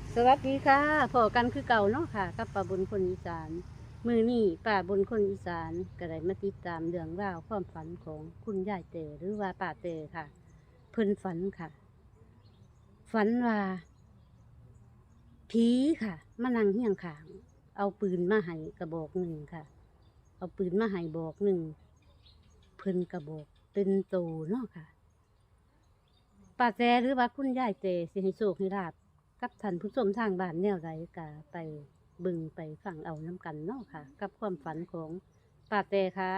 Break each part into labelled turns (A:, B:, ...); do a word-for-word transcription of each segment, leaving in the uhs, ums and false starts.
A: สวัสดีค่ะพอกันคือเก่าเนาะค่ะกับป้าบนคนอีสานมือนี่ป้าบนคนอีสานก็ได้มาติดตามเรื่องราวความฝันของคุณยายเต๋อหรือว่าป้าเต๋อค่ะ เพิ่นฝันค่ะ ฝันว่าผีค่ะมานั่งเฮียงขางเอาปืนมาให้กระบอกหนึ่งค่ะ เอาปืนมาให้บอกหนึ่งเพิ่นกระบอกเป็นโตเนาะค่ะ ป้าแจหรือว่าคุณยายเจสิให้โชคให้ลาบกับท่านผู้ชมทางบ้านแนวใดกะไปเบึงไปฟังเอาน้ำกันเนาะค่ะ กับความฝันของป้าแจค่ะ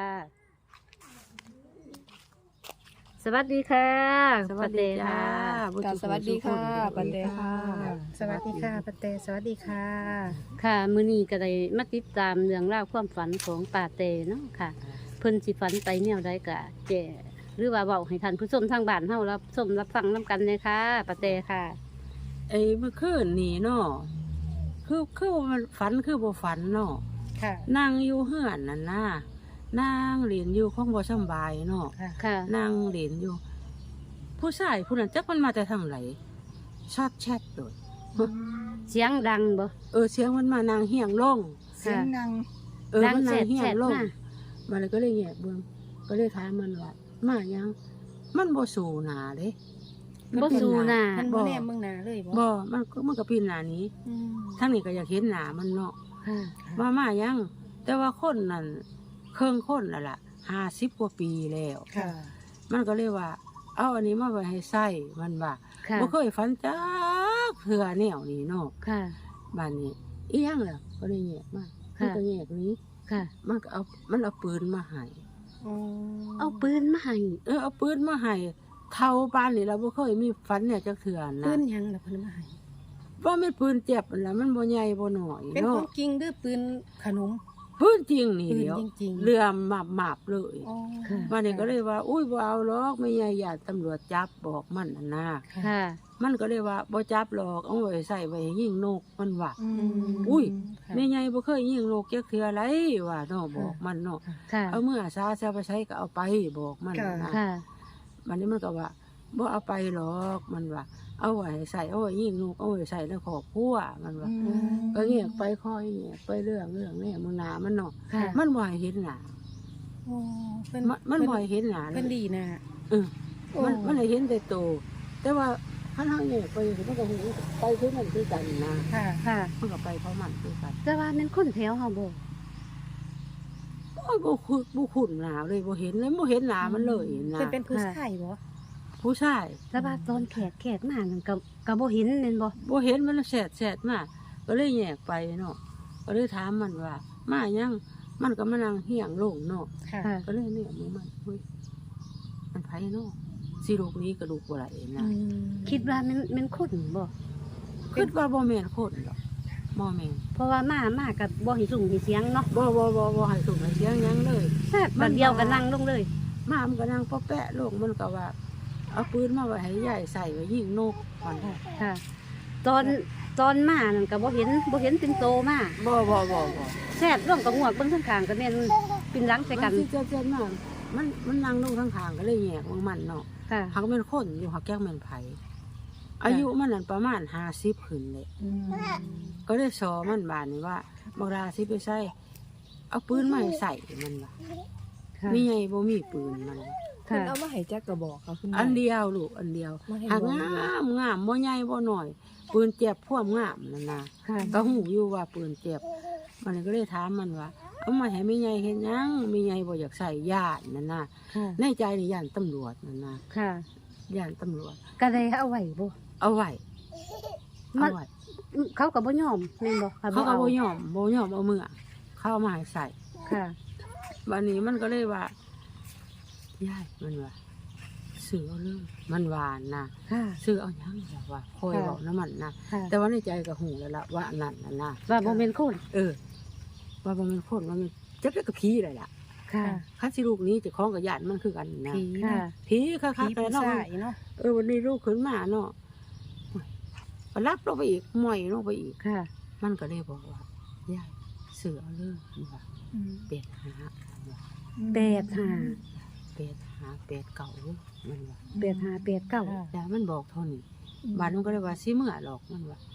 A: สวัสดีค่ะ
B: สวัสดีจ้า
A: ป้าแตค่ะ
C: ค่ะสวัสดีค่ะปันเดค่ะ
B: สวัสดีค่ะปันเตสวัสดีค่ะ
A: ค่ะมื้อนี้ก็ได้มาติดตามเรื่องราวความฝันของป้าแตเนาะค่ะ เพิ่นสิฝันไปแนวใดกะแจหรือว่าเว้าให้ท่านผู้ชมทางบ้านเฮารับชมรับฟังน้ำกันเลยค่ะป้าแตค่ะ
B: ไอ้เมื่อคืนนี่เนาะคือคือมันฝันคือบ่ฝันเนาะ
C: ค่ะ
B: นั่งอยู่เฮือนนั่นน่ะนั่งเรียนอยู่ของบ่สำบายเนาะ
C: ค่ะ
A: ค่ะ
B: นั่งเรียนอยู่ ผู้ชายผู้นั้นจักมันมาแต่ทางไหนชอดแชทโดด
A: เสียงดังบ่
B: เออเสียงมันมานางเฮียงลง
C: เสียงนาง
B: เออ
A: ดัง
B: มัน
A: แส
B: นาง
A: ด
B: เฮีย
A: แส
B: ง
A: ด
B: ลง
A: มา
B: มันเลยก็เลยแงะเบิ่งก็เลยถามมันว่ามายัง มันบ่สู่หน้าเด้
A: บ่สู้หน้า
C: ท่านบ่แนมเมืองนาเลยบ่
B: บ่มันก็มันก็ปีนหน้านี้
C: อืม
B: ทั้งนี้ก็อยากเห็นหน้ามันเนาะ
A: ค่ะ
B: ว่ามายัง แต่ว่าคนนั่นเครื่องคนน่ะล่ะห้าสิบกว่าปีแล้ว
C: ค่ะ
B: มันก็เลยว่า เอาอันนี้มาไว้ให้ใส่มันว่า
A: ค่ะ
B: บ่เคยฝันจักเทื่อแนวนี้เนาะ
A: ค่ะ
B: บ้านนี้อีหยังล่ะก็เลยแยกมามันก็แยกหนี้
A: ค่ะ
B: มันก็เอามันเอาปืนมาให้
C: อ๋อ
A: เอาปืนมาให้
B: เออเอาปืนมาให้เท่าบ้านนี่เราบ่เคยมีฝันเนี่ยจักเทื่อ
C: ปื
B: นะ
C: นหยังล่ะเพิ่นมาให้
B: ว่ามันปืนเจ็บนั่นล่ะมันบ่ใหญ่บ่น้อย
C: เป็นข
B: เนาะ
C: องจริงหรือปืนขนม
B: ปืนจริงนี่
C: ปืน
B: เดียว
C: จริงๆ
B: เรือหมาบๆเลย
C: อ๋อ
B: วันนี้ก็เลยว่า อุ้ยบ่เอาหรอกไม่ใหญ่ญาติตำรวจจับบอกมันน่ะนะ
C: ค่ะ
A: ค่ะ
B: มันก็เลยว่าบ่จับหรอกเอาไว้ใส่ไว้ให้ยิงนกมันว่า
C: อืม
B: อุ้ย
C: ค่ะ
B: แม่ใหญ่บ่เคยยิงนกจักเทื่อไรว่าเนาะบอกมันเนาะ
A: ค่ะ
B: เอาเมื่อซาซะไปใช้ก็เอาไปบอกมันน่ะนะ
A: ค่ะ
B: วันนี้มันก็ว่าบ่เอาไปหรอกมันว่า เอาไว้ใส่เอาไว้ยิงนกเอาไว้ใส่ในครอบครัวมันว่า
C: อืม
B: ก็เงียบไปคอยเงียบไปเรื่องเรื่องนี่มึงหนามันเนาะ
A: ค่ะ
B: มันบ่ให้เห็นหน้า
C: อ๋อเพิ่น
B: มันมันบ่ให้เห็นหน้าเล
C: เพิ่น
B: ย
C: ดีนะ
B: เออ
C: โอ้
B: มันมันได้เห็นแต่โตวแต่ว่าคันเฮาเนี่ยไปมันก็เห็นไปคือมันคือกันนะ
C: ค่ะ
A: ค่ะ
B: มันก็ไปเพราะมันคือกัน
A: แต่ว่าแมันคนแถวเฮาบ่
B: โอ้ยบ่คุ้นบ่คุ้นหน้าเลยบ่เห็นเลยบ่เห็นหน้ามันเลยนะ
C: เพิ่นเป็นผู้ชายบ่
B: ผู้ชาย
A: แต่ว่าตอนแขกแขกมานั่นก็ก็บ่เห็นแม่นบ่
B: บ่เห็นมันแสดแสดมาก็เลยแยกไปเนาะก็เลยถามมันว่า มายังมันก็มานั่งเฮียงลงเนาะ
C: ค่ะ
A: ค่ะ
B: ก็เลยเนี่ยมึงมันเฮ้ยมันไผเนาะสิลูกนี้กระดูกบ่ไหล
C: อื
B: นะ
C: ม
A: คิดว่าแมันแมันคนบ่
B: คิดว่าบ่แม่นคนดอกบ่แม่น
A: เพราะว่ามามาก็บ่ให้สุ่มให้เสียงเนาะ
B: บ่บ่บ่บ่ให้ส่งให้เสียงหยังเลย
A: แซ่บบัดเดียวก็นั่งลงเลย
B: มามันก็นั่งปะแปะลงมันก็ว่า เอาปืนมาไว้ให้ยายใส่ไว้ยิงนกมัน
A: ค่ะ ตอนตอนมานั่นก็บ่เห็นบ่เห็นเป็นโตมา
B: บ่บ่บ่บ่
A: แซ่บร่วมกับงวกเบิ่งข้างๆก็แม่นปินหลังใส่กัน
B: มัสิเจ็บเจ็บมากมันมันนั่งลงข้างๆก็เลยแยกมันมันเนาะ
A: ค่ะ
B: หักแม่นคนอยู่หักแก้แม่นไผอายุมันนั่นประมาณห้าสิบขึ้นเลย
C: อืม
B: ก็ได้สอมันบานนี่ว่าบักราสิไปใส่เอาปืนมาให้ใส่มันว่า
A: ค่ะ
B: มีไงบ่มีปืนมัน
C: เพิ่น
A: ค่ะ
C: เอามาให้จักกระบอกค่ะคุณ
B: อันเดียวลูกอันเดียว
C: มาให้
B: หาก
C: บอก
B: งามงามบ่ใหญ่บ่น้อย ปืนเจ็บพ่วงงามนั่นนะ
A: ค่ะ
B: ก็หูอยู่ว่าปืนเจ็บมันก็เลยถามมันว่า เอามาให้แม่ใหญ่เฮ็ดหยังแม่ใหญ่บ่อยากใส่ญาตินั่นนะ
A: ค่ะ
B: ในใจนี่ย่านตำรวจนั่นนะ
A: ค่ะ
B: ย่านตำรวจ
A: ก็ได้เอาไว้บ่
B: เอาไว้
A: มั
B: เอา
A: น
B: ไว้
A: เขาก็บ่ยอมแม่นบ่ค่ะ
B: เขาก็
A: อ
B: บ่ยอมบ่ยอมเอามือเข้าเอามาให้ใส่
A: ค่ะ
B: วันนี้มันก็เลยว่า ยายมันว่าซื้อเอาเลยมันหวานนะ
A: ค่ะ
B: ซื้อเอาหยังแบบว่าคอย
A: ค่ะ
B: บอกน้ำมันนะ
A: ค่ะ
B: แต่ว่าในใจก็หูแล้วล่ะว่าอันนั่นน่ะนะ
A: ว่าบ่แม่นคน
B: เออ ว่าบ่แมันคนว่ามันจักได้กับผีเลยล่ะ
A: ค่ะ
B: คันสิลูกนี้เจะคล้าของกับญาติมันคือกันนะ
C: ผี
A: ค่ะ
C: นะ
B: ผีค่ะ
C: ผี
B: ค่ะแต่
C: ผู้
B: เนาะ
C: ชายเนาะ
B: เออวันนี้ลูกขึ้นมาเนาะก็รับลงไปอีกหม่อยลงไปอีก
A: ค่ะ
B: มันก็เลยบอกว่ายายซื้อเอาเลยมันว่า
C: อืม
B: เป็ดหามันว่า
A: แปดห้า
B: เป็ดหาเป็ดเก่ามันว่า
A: แปดห้าแปดเก้า
C: ค่ะ
B: แล้วมันบอกเท่านี้บ้านมันก็เลยว่าสิเมื่อหรอกมันว่า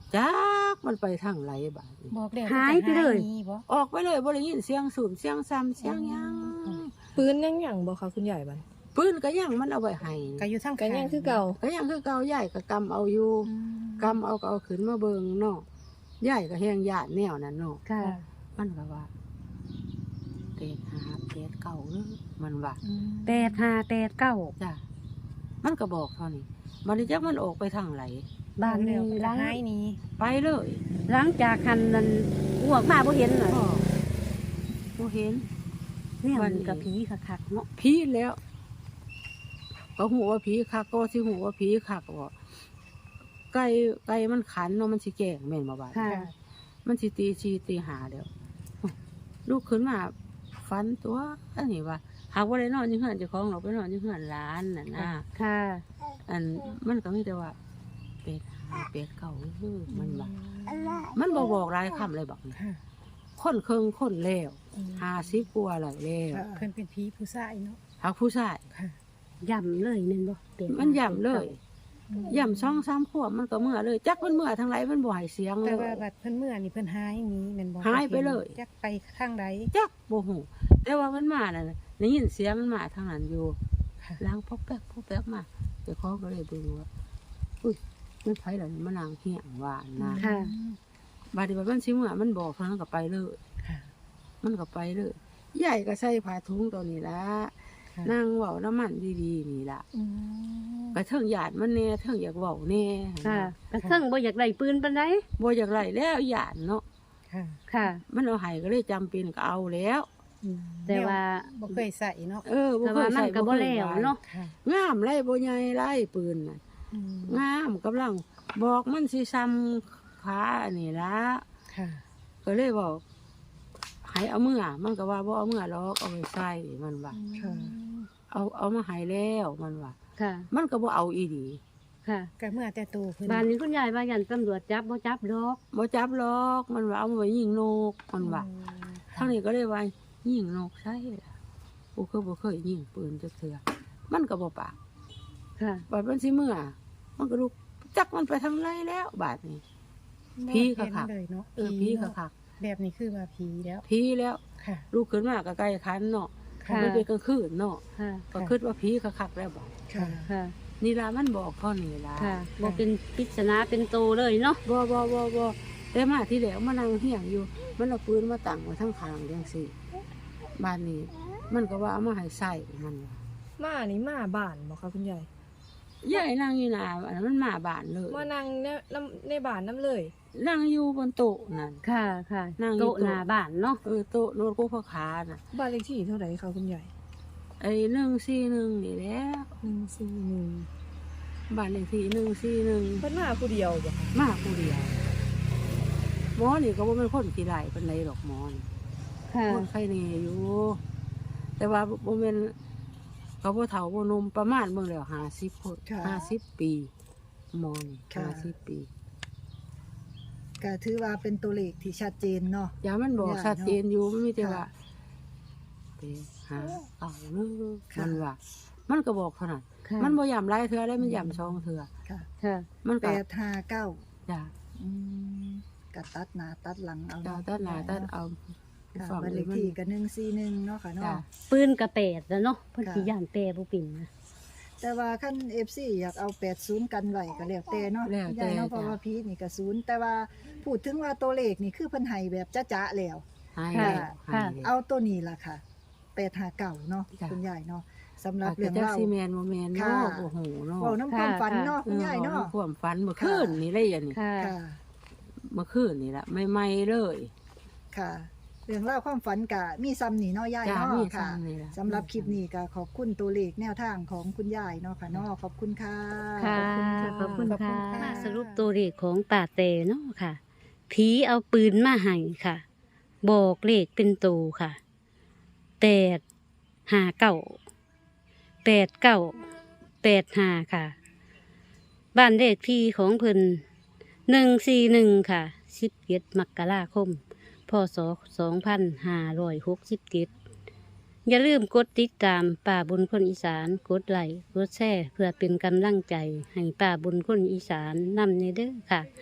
B: จักมันไปทางไหนบาดนี้
C: บอกแล้ว
A: หายไปเลย
C: หนีบ่
B: ออกไปเลยบ่ได้ยินเสียงสูบเสียงซ้ำเสียงหยัง
D: ปืนยังหยังบ่คะคุณยายบัด
B: ปืนก็ยังมันเอาไว้ให้
C: ก็อยู่ทาง
D: ก็ยังคือเก่า
B: ก็ยังคือเก่าใหญ่ก็กำเอาอยู่
C: อืม
B: กำเอาก็เอาขึ้นมาเบิ่งเนาะใหญ่ก็แฮงญาติแนวนั้นเนาะ
A: ค่ะ
B: มันก็ว่าเตดหาเตดเก่าเด้อมันว่า
C: อืม
A: แปดห้าแปดเก้า
B: จ้ะมันก็บอกเท่านี้มันจักมันออกไปทางไหน
A: บ้าน
C: แล้ว
A: นี้
C: ก็
A: หลัง
C: หายหนี้
B: ไปเลย
A: หลังจากคันนั้นอ้วกมาบ่เห็นน่ะ
B: พ่อบ่เห็น
A: เนี่ย
B: วั
A: มัน น
B: นี้
A: กับผีคักๆเนาะ
B: ผีแล้วก็หูว่าผีคักก็สิหูว่าผีคักบ่ไก่ไก่มันขันเนาะมันสิแกล้งแม่นบ่บาด
A: ค่ะ
B: มันสิตีชีตีหาเดี๋ยวลูกขึ้นมาฝันตัวอันนี้ว่าหากว่าได้นอนอยู่เฮือนเจ้าของเราไปนอนอยู่เฮือนหลานน่ะนะ
A: ค่ะ
B: อันมันก็มีแต่ว่าเป็ดหาเป็ดเก่าเด้อมันว่ามันบ่บอกหลายคำเลยบอกนี่
C: ค่ะ
B: คนเคิงคนแล้ว
C: อืม
B: ห้าสิบกว่าแล้วแล้ว
C: เพิ่นเป็นผีผู้ชายเนาะ
B: หากผู้ชาย
C: ค่ะ
A: ย่ำเลยแม่นบ่แปด
B: มันย่ำเลย
C: อืม
B: ย่ำสองสามขวบมันก็เมื่อเลย จักมันเมื่อทางไหนมันบ่ให้เสียงเล
C: แต่ว่าย บัดเพิ่นเมื่อนี่เพิ่นหายหนี้แม่นบ่
B: หายไปเลย
C: จักไปทางใด
B: จักบ่ฮู้แต่ว่ามันมาน่ะได้ยินเสียงมันมาทางนั้นอยู่
C: ค่ะ
B: ล้างพอกแป๊กพอกแป๊กมาเจ้าของก็เลยเบิ่งว่าอุ้ยมันไผล่ะนี่มันนางเฮียงว่านะ
A: ค่ะ
B: บาดนี้บัดมันสิเมื่อมันบอกเท่านั้นก็ไปเลย
C: ค่ะ
B: มันก็ไปเลยใหญ่ก็ใส่ผ้าถุงตัวนี้ละ
C: ค่ะ
B: นั่งเว้าน้ำมันดีๆนี่ละ
C: อืม
B: ก็เทิงหยาดมันแน่เทิงอยากเว้าแน่
A: ค่ะกระเทิงบ่อยากได้ปืนปานใด
B: บ่อยากไล่แล้วหยาดเนาะ
C: ค่ะ
A: ค่ะ
B: มันเอาให้ก็เลยจำเป็นก็เอาแล้ว
C: อืม
A: แต่ว่า
C: บ่เคยใส่เนาะ
B: เออบ่
A: แต่
B: เค
A: ว่าย มัน
B: ใส่
A: ก็บ่
B: เคย
A: แล้ว
B: ไ
A: เนาะ
C: ค่ะ
B: งามไล่บ่ใหญ่ไล่ปืนน่ะ
C: อืม
B: งามกำลังบอกมันสิซ้ำขาอันนี้ละ
C: ค่ะ
B: ก็เลยบอกให้เอาเมื่อมันก็ว่าบ่เอาเมื่อหรอกเอาไปใส่มันว่า
C: ค่ะ
B: เอาเอามาให้แล้วมันว่า
A: ค่ะ
B: มันก็บ่เอาอีดี
A: ค่ะ
C: ก็เมื่อแต่โตเพิ่น
A: บ้านนี้คุณยายว่ายันตำรวจจับบ่จับดอก
B: บ่จับหรอกมันว่าเอามาไว้ยิงนกมันว่า
C: อืม
B: ทางนี้ก็เลยว่ายิงนกใช่ล่ะกูก็บ่เคยยิงปืนจักเทื่อมันก็บ่ปาก
A: ค่ะ
B: บาดมันสิเมื่อมันก็ลุกจักมันไปทางไรแล้วบาดนี้ ผีค่ะค่ะ
C: เห็นเลยเนาะ
B: เออพี่
C: เนาะ
B: คัก
C: แบบนี้คือว่าผีแล้ว
B: ๆผีแล้ว
C: ค่ะ
B: ลูกขึ้นมาก็ใกล้คันเนาะ
A: ค่ะ
B: มันเป็นกลางคืนเนาะ
A: ค่ะ
B: ก็คิดว่าผีคักๆแล้วบ่
C: ค่ะ
A: ค่ะ
B: นี่ล่ะมันบอกเท่านี้ล่ะ
A: ค่ะบ่เป็นปริศนาเป็นโตเลยเนาะ
B: บ่บ่บ่บ่แต่มาที่แล้วมานั่งเฮียงอยู่ มันเอาปืนมาตั้งไว้ทางข้างจังซี่บ้านนี้ มันก็ว่าเอามาให้ใส่มันว่า
D: มานี่มาบ้านบ่คะคุณยาย
B: ยายนั่งอยู่หน้าอันนั้นมันมาบ้านเลย
D: มานั่งในน้ำในบ้านน้ำเลย
B: นั่งอยู่บนโต๊ะนั่น
A: ค่ะ ค่ะ
B: นั่งอยู่
A: โต๊ะหน้าบ้านเนาะ
B: เออโต๊ะโน้ตกูพ่อขาน่ะ
D: บ้านเลขที่เท่าไหร่คะคุณยาย
B: ไอ้หนึ่งสี่หนึ่งนี่แหล้ว
D: หนึ่งสี่หนึ่ง
B: บ้านเลขที่หนึ่งสี่หนึ่ง
D: เพิ่นมาผู้เดียวบ่คะ
B: มาผู้เดียวหมอนี่ก็บ่เป็นคนขี้ไล่เป็นไรดอกหมอนี่
A: ค่ะ
B: คนไข้นี่อยู่ แต่ว่าบ่แม่นเขาบ่เฒ่าบ่หนุ่มประมาณเบิ่งแล้วห้าสิบคน
C: ค่ะ
B: ห้าสิบปีหมอนี่
C: ค่ะ
B: ห้าสิบปี
E: ก็ถือว่าเป็นตัวเลขที่ชัดเจนเนาะ
B: อย่ามันบอก
E: ย่า
B: ชัดเจนอยู่มันมีแต่
E: ค่ะ
B: ว่าไปหาเอาเด้อ
E: ค่ะ
B: มันว่า มันก็บอกเท่านั้น
A: ค่ะ
B: มันบ่ย้ำหลายเทื่อได้มันย้ำสองเทื่อ
E: ค่ะ
A: ค่ะ
B: มัน
E: แป
B: ก็
E: ดห้าเก้า
B: จ้ะ
E: อืมก็ตัดหน้าตัดหลังเอา
B: จ้ะ
E: เนาะ
B: ตัดหน้าตัดเอา
E: ค่ะ
B: ฟัง
E: บ้าน
B: เล
E: เลย ข
B: มัน
E: ที่ก็หนึ่งสี่หนึ่งเนาะค่ะ
B: จ้ะ
E: เนาะ
A: ปืนกระแปดแล้วเนาะเพิ่น
E: ค่ะ
A: สิย่านแปรบ่เป็นนะ
E: แต่ว่าขั้นเอฟซีอยากเอาแปดศูนย์กันไว้ก็แล้วแต่เนาะ
B: แล้วแต่
E: ยายเนาะเพราะว่าพีนี่ก็ศูนย์แต่ว่าพูดถึงว่าตัวเลขนี่คือเพิ่นให้แบบจ้าๆแล้ว
B: หาย
A: ค่ะ
B: แล้ว
A: ค่ะ
B: หายแล้ว
E: เอาตัวนี้ล่ะค่ะแปดห้าเก้าเนาะ
B: จ้ะ
E: คุณยายเนาะสำหรับ
B: อาจ
E: เรื่
B: จะ
E: อง
B: จัก
E: เล่า
B: ซีแมนบ่แมน
E: ค่ะ
B: เนาะโอ้โหเนาะ
E: เว้าน้ำความฝัน
A: ค่ะ
E: เนาะคุณยาย
B: เออ
E: เนาะ
B: เอาความฝันเมื่อ
E: ค่ะ
B: คืนนี่เลยอันนี้
A: ค่ะ
E: ค่ะ
B: เมื่อคืนนี่ละใหม่ๆเลย
E: ค่ะ เรื่องเล่าวความฝันกะมีซ้ำนี่เนาะยาย
B: จ้า
E: เนาะ
B: มี
E: ค่ะ
B: ซ้ำนี่ล่ะ
E: สำหรับคลิปนี้ก็ขอบคุณตัวเลขแนวทางของคุณยายเนาะค่ะเนาะขอบคุณค่ะ
A: ค่ะ
E: ขอบคุณ
A: ขอบคุณ
E: ค่ะ
A: ค่ะมาสรุปตัวเลขของป่าเตเนาะค่ะ ผีเอาปืนมาให้ค่ะ บอกเลขเป็นตัวค่ะแปดห้าเก้าแปดเก้าแปดห้าค่ะ บ้านเลขที่ของเพิ่นหนึ่งสี่หนึ่งค่ะสิบเจ็ดมกราคมพศสองพันห้าร้อยหกสิบเจ็ดอย่าลืมกดติดตามป่าบนคนอีสานกดไลค์กดแชร์เพื่อเป็นกำลังใจให้ป่าบนคนอีสานนำในเด้อค่ะ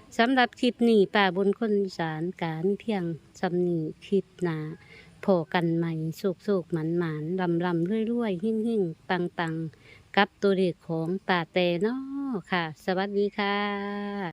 A: สำหรับคลิปนี้ป่าบนคนอีสานกามีเพียงสำนีคลิปหนาพอกันใหม่สุกๆหมันๆลำลำเรื่อยๆ หิ่งๆ ปังๆ กับตัวเลขของป่าแต่เนาะค่ะ สวัสดีค่ะ